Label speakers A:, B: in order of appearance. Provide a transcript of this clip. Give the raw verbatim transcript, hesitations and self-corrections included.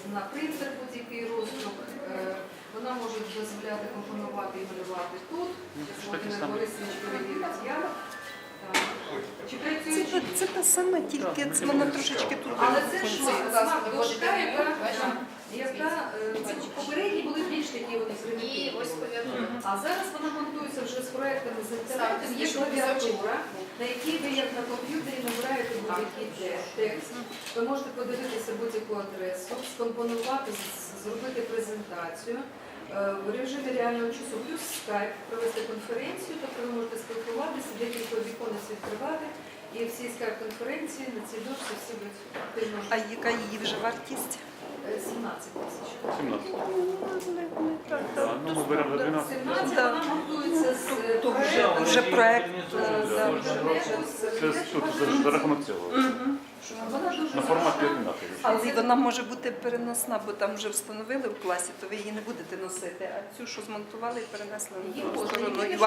A: на принтер будь-який роздрuk. Вона може дозволяти компонувати і малювати тут. Володимир Борисович перевірить я. Чи працює?
B: Це, це та сама, тільки це вона трошечки тут.
A: Але це ж смак-дошка, яка, яка ці попередні були більш такі вони примітивні. А зараз вона монтується вже з проектами з інтернетом, є клавіатура, на якій ви як на комп'ютері набираєте будь-який текст. Ви можете подивитися будь-яку адресу, скомпонувати, зробити презентацію. В режимі реального часу плюс скайп, провести конференцію, тобто ви можете спілкуватися, декілька віконець відкривати, і всі скайп-конференції на цій дошці всі будуть активно.
B: А яка її вже вартість?
A: сімнадцять тисяч.
C: сімнадцять. Ну, ми беремо за дванадцять.
A: сімнадцять, вона монтується з
B: То вже,
A: проекту,
B: вже проект.
A: з інтернету,
C: Це
A: з
C: тут за- за рахунок цього.
A: Вона дуже
C: На форматі
A: зручна.
C: однаковий.
B: Але вона може бути переносна, бо там вже встановили в класі, то ви її не будете носити. А цю, що змонтували, перенесли на
A: Її
B: другу
A: можна,
B: сторону.
A: єдине,
B: І